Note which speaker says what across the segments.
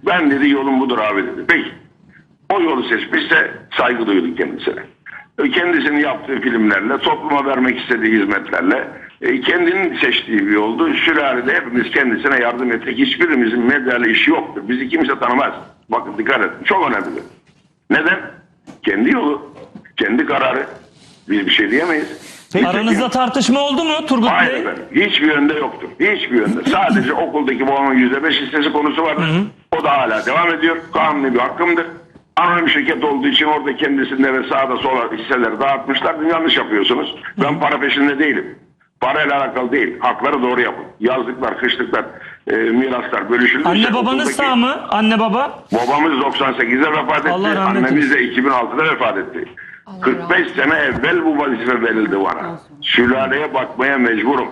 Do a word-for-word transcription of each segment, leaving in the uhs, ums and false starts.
Speaker 1: Ben dedi yolum budur abi dedi. Peki. O yolu seçmişse saygı duyduk kendisine. Kendisinin yaptığı filmlerle, topluma vermek istediği hizmetlerle e, kendinin seçtiği bir yoldu. Sülalede hepimiz kendisine yardım ettik. Hiçbirimizin medyayla işi yoktur. Bizi kimse tanımaz. Bakın dikkat edin. Çok önemli. Neden? Kendi yolu, kendi kararı. Biz bir şey diyemeyiz.
Speaker 2: Peki,
Speaker 3: Aranızda tartışma oldu mu Turgut
Speaker 1: Hayır
Speaker 3: Bey?
Speaker 1: efendim. Hiçbir yönde yoktur. Hiçbir yönde. Sadece okuldaki babamın yüzde beş hissesi konusu vardır. Hı hı. O da hala devam ediyor. Kanuni bir hakkımdır. Anonim şirket olduğu için orada kendisinde ve sağda sola hisseleri dağıtmışlar. Yanlış yapıyorsunuz. Ben para peşinde değilim. Parayla alakalı değil. Hakları doğru yapın. Yazlıklar, kışlıklar, e, miraslar bölüşülmüş.
Speaker 3: Anne babanız sağ mı? Anne baba?
Speaker 1: Babamız doksan sekizde vefat etti.
Speaker 3: Allah rahmet
Speaker 1: Annemiz de iki bin altıda vefat etti.
Speaker 4: Allah
Speaker 1: kırk beş sene evvel bu vazife verildi bana. Sülaleye bakmaya mecburum.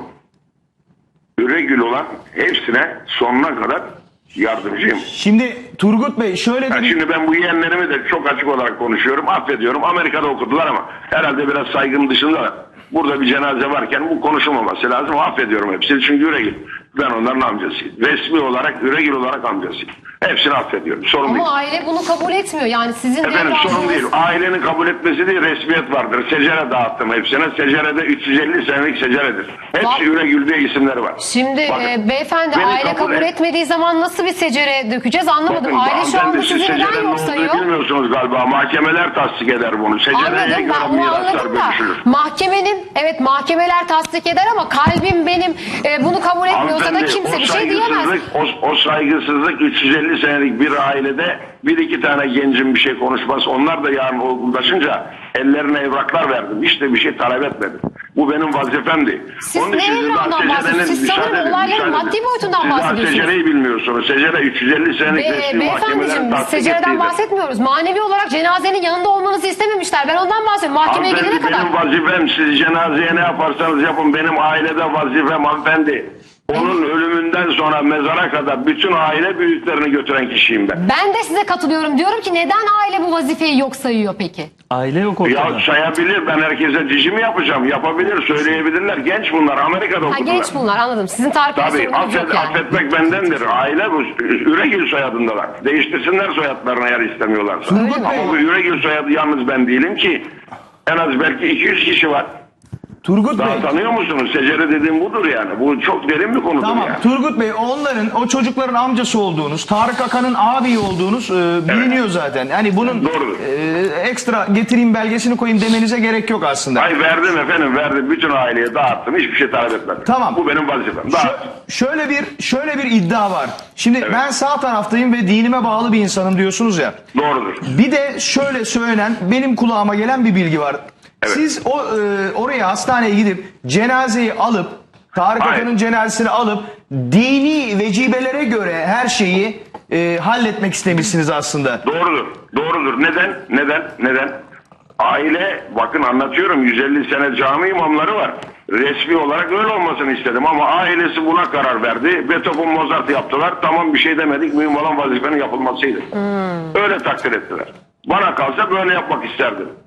Speaker 1: Üregül olan hepsine sonuna kadar yardımcıyım.
Speaker 2: Şimdi Turgut Bey şöyle de
Speaker 1: Ya
Speaker 2: bir...
Speaker 1: şimdi ben bu yeğenlerimi de çok açık olarak konuşuyorum. Affediyorum. Amerika'da okudular ama herhalde biraz saygım dışında burada bir cenaze varken bu konuşulmaması lazım. Affediyorum hepsini çünkü Üregül. Ben onların amcasıyım. Resmi olarak Üregül olarak amcasıyım. Hepsini affediyorum. Sorun
Speaker 4: Ama
Speaker 1: değil.
Speaker 4: aile bunu kabul etmiyor. Yani sizin
Speaker 1: Efendim
Speaker 4: devre
Speaker 1: sorun
Speaker 4: aldığınız-
Speaker 1: değil. Ailenin kabul etmesi değil, resmiyet vardır. Secere dağıttım hepsine. Secerede üç yüz elli senelik seceredir. Hepsi
Speaker 4: Bak-
Speaker 1: Üregül diye isimleri var.
Speaker 4: Şimdi
Speaker 1: Bakın,
Speaker 4: e, beyefendi
Speaker 1: beni
Speaker 4: aile
Speaker 1: kabul
Speaker 4: kabul
Speaker 1: et-
Speaker 4: etmediği zaman nasıl bir secere dökeceğiz anlamadım.
Speaker 1: Bakın,
Speaker 4: Aile şu anda
Speaker 1: hanımefendi, siz
Speaker 4: sizi neden
Speaker 1: secerenin
Speaker 4: yok
Speaker 1: olduğunu
Speaker 4: sayıyor?
Speaker 1: bilmiyorsunuz galiba. Mahkemeler tasdik eder bunu. Secereye
Speaker 4: Anladım,
Speaker 1: göre
Speaker 4: ben bunu
Speaker 1: miraslar
Speaker 4: anladım da
Speaker 1: bölüşülür.
Speaker 4: mahkemenin evet mahkemeler tasdik eder ama kalbim benim e, bunu kabul etmiyorsa da
Speaker 1: Hanımefendi,
Speaker 4: kimse
Speaker 1: o
Speaker 4: bir şey diyemez.
Speaker 1: saygısızlık- O, o saygısızlık üç yüz elli senelik bir ailede bir iki tane gencin bir şey konuşmaz. Onlar da yarın olgunlaşınca ellerine evraklar verdim. İşte bir şey talep etmedim. Bu benim vazifemdi.
Speaker 4: Siz
Speaker 1: Onun
Speaker 4: ne
Speaker 1: için siz
Speaker 4: evrağından
Speaker 1: daha
Speaker 4: bahsediyorsunuz?
Speaker 1: secerenin-
Speaker 4: Siz sanırım
Speaker 1: müsaade edin,
Speaker 4: olayların
Speaker 1: müsaade
Speaker 4: maddi
Speaker 1: edin.
Speaker 4: boyutundan
Speaker 1: Siz daha
Speaker 4: bahsediyorsunuz.
Speaker 1: secereyi bilmiyorsunuz. Secere üç yüz elli senelik
Speaker 4: Be,
Speaker 1: resmi mahkemelerin
Speaker 4: beyefendiciğim
Speaker 1: tasdik
Speaker 4: secereden
Speaker 1: ettiğidir.
Speaker 4: bahsetmiyoruz. Manevi olarak cenazenin yanında olmanızı istememişler. Ben ondan bahsediyorum. Mahkemeye gidene
Speaker 1: Hanımefendi
Speaker 4: kadar.
Speaker 1: benim vazifem, siz cenazeye ne yaparsanız yapın, benim ailede vazifem hanımefendi. Onun ölümünden sonra mezara kadar bütün aile büyüklerini götüren kişiyim ben.
Speaker 4: Ben de size katılıyorum. Diyorum ki neden aile bu vazifeyi yok sayıyor peki?
Speaker 3: Aile yok ortada.
Speaker 1: Ya sayabilir, ben herkese dici mi yapacağım? Yapabilir, söyleyebilirler. Genç bunlar, Amerika'da
Speaker 4: Ha,
Speaker 1: okudular.
Speaker 4: genç bunlar anladım. Sizin tarifiniz
Speaker 1: Tabii,
Speaker 4: sorununuz
Speaker 1: affet,
Speaker 4: yok yani.
Speaker 1: affetmek bendendir. Aile bu, Üregül soyadındalar. Değiştirsinler soyadlarını eğer istemiyorlarsa.
Speaker 4: Öyle mi?
Speaker 1: Ama bu Üregül soyadı yalnız ben değilim ki. En az belki iki yüz kişi var.
Speaker 2: Turgut Bey...
Speaker 1: Daha tanıyor musunuz? Secere dediğim budur yani. Bu çok derin bir konudur
Speaker 2: Tamam
Speaker 1: yani.
Speaker 2: Turgut Bey onların o çocukların amcası olduğunuz, Tarık Akan'ın ağabeyi olduğunuz e, biliniyor zaten. Yani bunun
Speaker 1: Doğrudur.
Speaker 2: e, ekstra getireyim belgesini koyayım demenize gerek yok aslında.
Speaker 1: Ay verdim efendim verdim. Bütün aileye dağıttım. Hiçbir şey talep etmedim.
Speaker 2: Tamam.
Speaker 1: Bu benim vazifem.
Speaker 2: Şö-
Speaker 1: Dağıt.
Speaker 2: şöyle bir şöyle bir iddia var. Şimdi
Speaker 1: Evet.
Speaker 2: ben sağ taraftayım ve dinime bağlı bir insanım diyorsunuz ya.
Speaker 1: Doğrudur.
Speaker 2: Bir de şöyle söylenen benim kulağıma gelen bir bilgi var.
Speaker 1: Evet.
Speaker 2: Siz o e, oraya hastaneye gidip cenazeyi alıp Tarık
Speaker 1: Hayır.
Speaker 2: Akan'ın cenazesini alıp dini vecibelere göre her şeyi e, halletmek istemişsiniz aslında.
Speaker 1: Doğrudur. Doğrudur. Neden? Neden? Neden? Aile, bakın anlatıyorum, yüz elli sene cami imamları var. Resmi olarak öyle olmasını istedim ama ailesi buna karar verdi. Beethoven, Mozart yaptılar. Tamam, bir şey demedik. Mühim olan vazifenin yapılmasıydı. Öyle takdir ettiler. Bana kalsa böyle yapmak isterdim.